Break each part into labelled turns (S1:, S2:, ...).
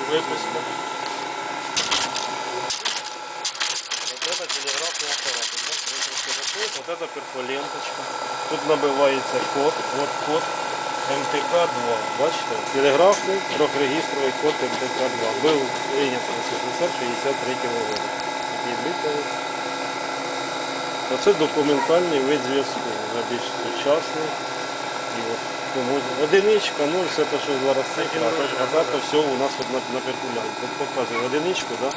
S1: выпуска. Вот это телеграфный аппарат. Вот это перфоленточка. Тут набивається код. Вот код МТК-2. Бачите? Телеграфний трьохрегістровий код МТК-2. Був прийнятий в СССР 63 року. Такий битовий. Оце документальний вид зв'язку. Вже більш сучасний. І от одиничка, 0, все те, що зараз цифра, а так все у нас от на перкулянті. Тут показує одиничку, да?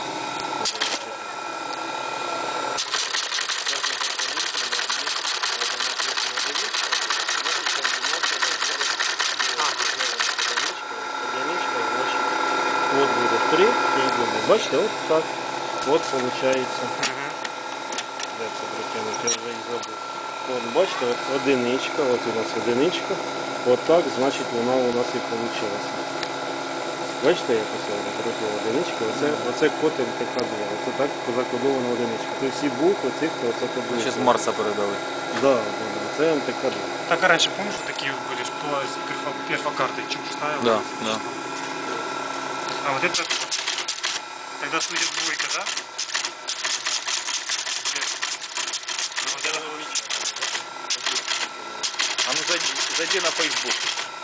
S1: Вот будет 3 и будет. Бачите, вот так. Вот получается. Де це притягнути, я вже і забув. От, бачите, от одиничка, от у нас одиничка. От так, значить, вона у нас і вийшла. Бачите, як ось проти одинички, оце код МТК-2. Оце так закодована одиничка. Це всі букви, цифри, оце кодується.
S2: Ще з Марса передали.
S1: Да, це МТК-2.
S3: Так а раньше, помнишь, такие были, что перфокарты чип ставил?
S2: Да, да.
S3: А вот это, тогда судит двойка, да? Вот это
S2: А ну зайди на Facebook.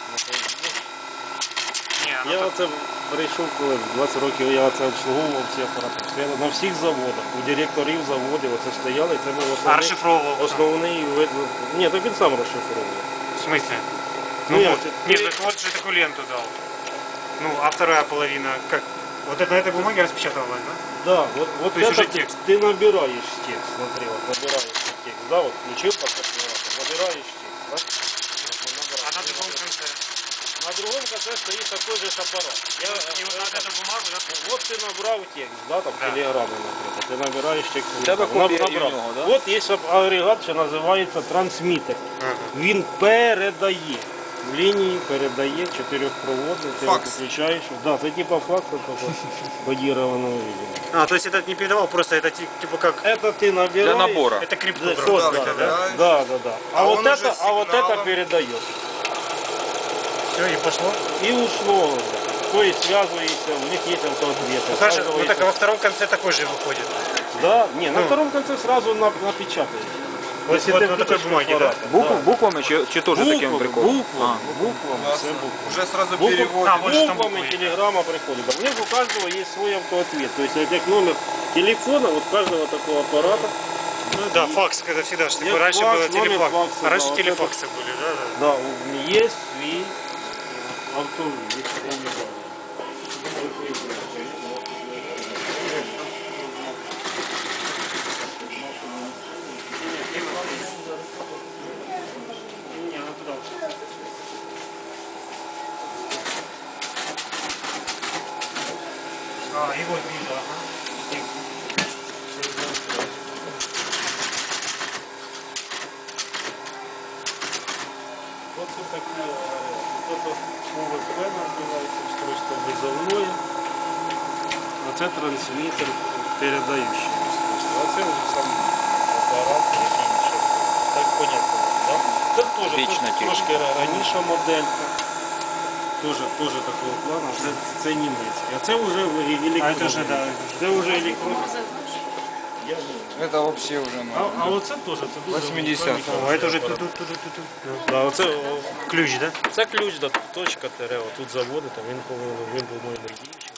S3: не,
S1: Я оце прийшов, коли в 20 років я оце обслуговував ці апарати. Стояли на всіх заводах, у директорів заводів оце стояли, і це був основний вид. Ні, так він сам розшифровував.
S3: В смысле?
S1: Ну,
S3: Нет, так вот же такую ленту дал. Ну, а вторая половина, как? Вот это на этой бумаге распечатывалось, да?
S1: Да, вот
S3: То есть
S1: это
S3: уже текст.
S1: Ты набираешь текст, смотри, вот набираешь текст, да, вот включил подкалькулятор, набираешь текст, да?
S3: А на другом конце?
S1: На другом конце стоит такой же аппарат.
S3: И вот на эту бумагу, да?
S1: Вот ты набрал текст, да, там телеграммы, например, ты набираешь текст.
S2: У тебе копія і в нього, да?
S1: Вот есть агрегат, що називається трансмітер. Він передає. В лінії передає чотирьохпроводний, ти його включаєш. Да, це типа факс, только кодированного видео.
S3: А, то есть этот не передавал, просто это типа как...
S1: Это ты набираешь.
S2: Для набора.
S3: Это криптограф, да?
S1: Да. А вот это передает.
S3: Все, и пошло?
S1: И ушло. То есть связывается, у них есть автоответы.
S3: Ну хорошо, ну так а во втором конце такой же выходит.
S1: Да, не, на втором конце сразу напечатаешь.
S3: Вот на такой бумаге, да?
S2: Буквами чи теж таким приколом?
S1: Буквами, все буквы.
S4: Уже сразу переводит.
S3: вот же там
S1: Буквами
S3: буквы.
S1: телеграмма приходит. А у них у каждого есть свой автоответ. То есть как номер телефона вот каждого такого аппарата.
S3: Ну да, факс, когда всегда, что
S1: Есть
S3: раньше
S1: факс,
S3: было
S1: номер
S3: телефакс.
S1: факса,
S3: А раньше
S1: да, вот
S3: телефаксы были, да?
S1: Да, есть свой автоответ.
S3: А, и вот видно, ага.
S1: Вот тут такие, вот это УВП называется, устройство вызовное, а це трансмітер передающий устройство, а це вже сам апарат, який ще, так понятно, да? Це теж трошки раніша моделька, теж такого плану, це німецький, а це вже електронний.
S3: А это же, да.
S1: Це вже електронний.
S4: Это вообще уже
S1: А оце теж, це дуже
S4: 80-го.
S3: А это уже тут.
S1: Да, оце,
S3: Ключ, да?
S1: це ключ до точка ТР, тут заводити, він по-моєму діючий.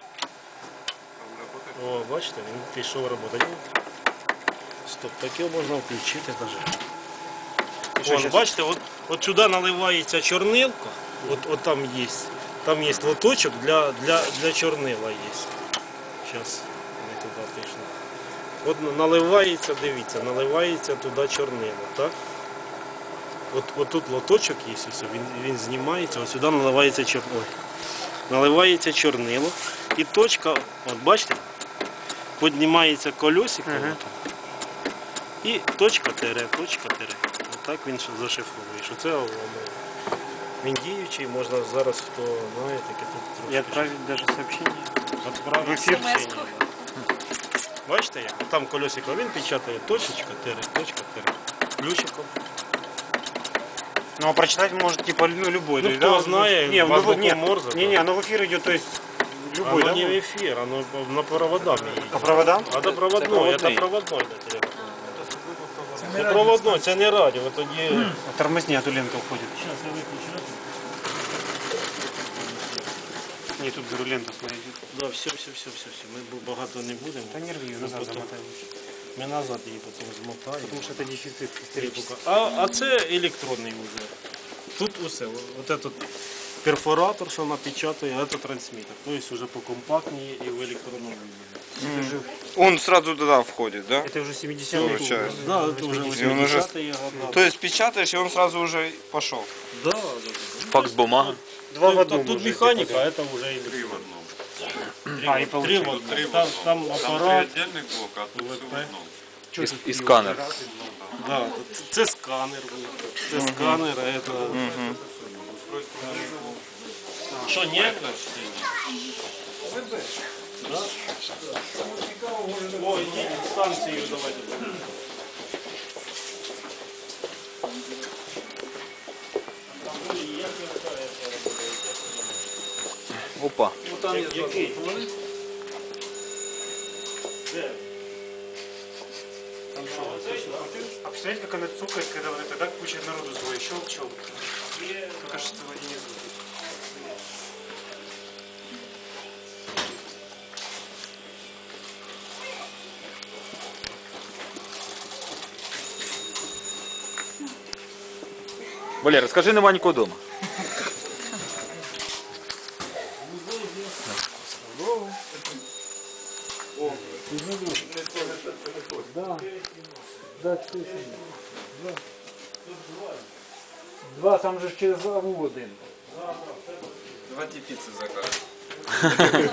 S1: О, бачите, він пішов роботи. Стоп, таке можна включити навіть. Вон, бачите, от сюди наливається чорнилка, от там є лоточок для чорнила є. Зараз ми туди пішли. От наливається, дивіться, наливається туди чорнило, так? От тут лоточок є, він знімається, ось сюди наливається чорнило. Наливається чорнило і точка, от бачите, піднімається колесико, і точка тире. Отак він зашифровує, що це він діючий, можна зараз, хто знає, таке тут трошки.
S3: И отправить даже сообщение.
S1: Отправити сообщення. Бачите як? Там колесико, він печатає точка тире, ключиком.
S3: Ну а прочитать может типа любой.
S1: Ну,
S3: да,
S1: кто знает,
S3: не,
S1: азбуку Морзе,
S3: не, оно в эфир идет, то есть Любой,
S1: Оно
S3: да?
S1: не в эфир, оно на проводах.
S3: По проводам?
S1: Это проводной, это проводной. Це проводной, це не радіо, тоді...
S3: Тормозни, а то лента уходит.
S1: Сейчас я выключу.
S3: Не, тут беру ленту, смотри.
S1: Да, все. Ми багато не будемо.
S3: Да не рви, назад замотай лучше.
S1: Ми назад її потім змотаємо.
S3: Потому что это дефицит исторический.
S1: А це електронний уже. Тут усе. Вот этот перфоратор, що напечатає, а це трансмітер. Тобто вже покомпактніше і в електронному віді.
S4: Он сразу туда входит, да?
S3: Это уже 70-й.
S4: Получается.
S1: Да, це вже
S4: І він уже-
S1: 80-й года.
S4: То есть печатаешь, и он сразу уже пошел.
S1: Да.
S2: Факс бумага.
S3: Два в одном
S1: Тут
S3: уже,
S1: механіка, а це вже електронний.
S3: А, и
S1: Три в
S3: получается.
S1: одному. Там апарат.
S5: Отдельный блок, а тут все в одном.
S2: І сканер.
S1: Да, це сканер. Це сканер, а це... Що, не? Да? О, ідіть, станцію давайте.
S2: Опа.
S1: Який? Де?
S3: А представляете, как она цукает, когда вот это, да, куча народу злой, щелк. Мне кажется, в один из звуков.
S2: Валера, скажи, нема нікого вдома.
S6: Два, там же через главу один.
S4: Давайте пиццы закажем.